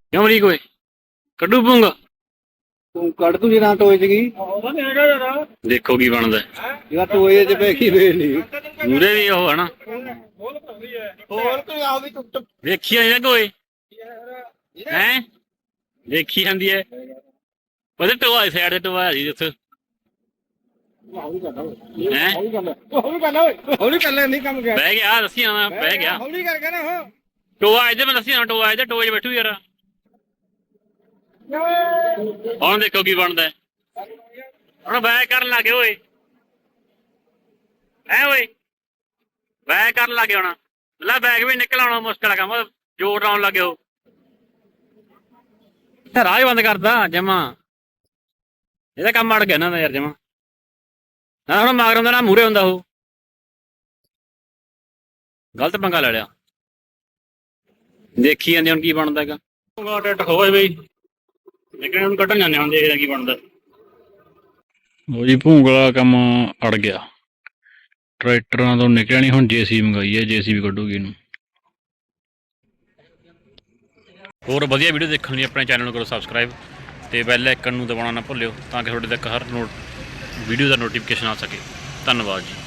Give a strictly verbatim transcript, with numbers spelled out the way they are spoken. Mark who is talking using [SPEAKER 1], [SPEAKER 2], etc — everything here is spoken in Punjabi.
[SPEAKER 1] ਕਿਉਂ ਅਮਰੀਕ ਓਏ ਕੱਢੂ ਪੂੰਗਾ
[SPEAKER 2] ਤੂੰ ਕੱਢ ਤੂੰ ਜਿਹੜਾ ਟੋਏ ਚ ਗਈ
[SPEAKER 1] ਦੇਖੋ ਕੀ ਬਣਦਾ
[SPEAKER 2] ਜਿਹੜਾ ਟੋਏ ਚ ਪੈ ਗਈ ਵੇਖ ਲਈ
[SPEAKER 1] ਮੂਰੇ ਵੀ ਉਹ ਹਨਾ
[SPEAKER 2] ਹੋਰ ਕੋਈ ਆ ਵੀ ਟੁੱਟ
[SPEAKER 1] ਵੇਖੀ ਜਾਂਦੀ ਕੋਈ ਹੈ ਦੇਖੀ ਜਾਂਦੀ ਹੈ ਉਹਦੇ ਟੋਆ ਸਾਈਡ ਤੇ ਟੋਆ ਜੀ ਉੱਥੇ ਹੈ
[SPEAKER 2] ਹੌਲੀ ਕਰ ਲੈ ਹੌਲੀ ਕਰ ਲੈ ਹੌਲੀ ਕਰ ਲੈ ਨਹੀਂ ਕੰਮ ਗਿਆ
[SPEAKER 1] ਬਹਿ ਗਿਆ ਦੱਸੀ ਆਣਾ ਬਹਿ ਗਿਆ
[SPEAKER 2] ਹੌਲੀ ਕਰਕੇ ਨਾ ਹੋ
[SPEAKER 1] ਟੋਆ ਇਹਦੇ ਮੈਂ ਦੱਸੀ ਆਣਾ ਟੋਆ ਇਹਦੇ ਟੋਏ 'ਚ ਬੈਠੂ ਯਾਰ ਹੁਣ ਦੇਖੋ ਕੀ ਬਣਦਾ ਹੁਣ ਬੈਕ ਕਰਨ ਲੱਗੇ ਓਏ ਐ ਓਏ ਬੈਕ ਕਰਨ ਲੱਗੇ ਹੁਣ ਲੈ ਬੈਗ ਵੀ ਨਿਕਲ ਆਉਣਾ ਮੁਸ਼ਕਲ ਆ ਕੰਮ ਜੋਰ ਲਾਉਣ ਲੱਗੇ ਹੋ ਰਾਹ ਹੀ ਬੰਦ ਕਰਦਾ ਜਮਾ ਇਹਦਾ ਕੰਮ ਅੜ ਗਿਆ ਨਾ ਯਾਰ ਜਮਾ ਨਾ ਹੁਣ ਮਗਰ ਹੁੰਦਾ ਨਾ ਮੂਹਰੇ ਹੁੰਦਾ ਉਹ ਗਲਤ ਪੰਗਾ ਲੈ ਲਿਆ ਦੇਖੀ ਜਾਂਦੇ ਹੁਣ ਕੀ ਬਣਦਾ ਹੈਗਾ ਟਿੱਟ ਖੋਏ ਬਈ ਲੇਕਿਨ ਹੁਣ ਕੱਢਣ ਜਾਂਦੇ ਹੁਣ ਦੇਖਦੇ ਕੀ ਬਣਦਾ ਉਹ ਜੀ ਭੂੰਗਲਾ ਕੰਮ ਅੜ ਗਿਆ ਟਰੈਕਟਰਾਂ ਤੋਂ ਨਿਕਲਿਆ ਨਹੀਂ ਹੁਣ ਜੇਸੀ ਮੰਗਾਈ ਹੈ ਜੇਸੀ ਵੀ ਕੱਢੂਗੀ ਇਹਨੂੰ ਹੋਰ ਵਧੀਆ ਵੀਡੀਓ ਦੇਖਣ ਲਈ ਆਪਣੇ ਚੈਨਲ ਨੂੰ ਕਰੋ ਸਬਸਕ੍ਰਾਈਬ ਤੇ ਬੈਲ ਆਈਕਨ ਨੂੰ ਦਬਾਉਣਾ ਨਾ ਭੁੱਲਿਓ ਤਾਂ ਕਿ ਤੁਹਾਡੇ ਤੱਕ ਹਰ ਨੋਟ ਵੀਡੀਓ ਦਾ ਨੋਟੀਫਿਕੇਸ਼ਨ ਆ ਸਕੇ ਧੰਨਵਾਦ ਜੀ।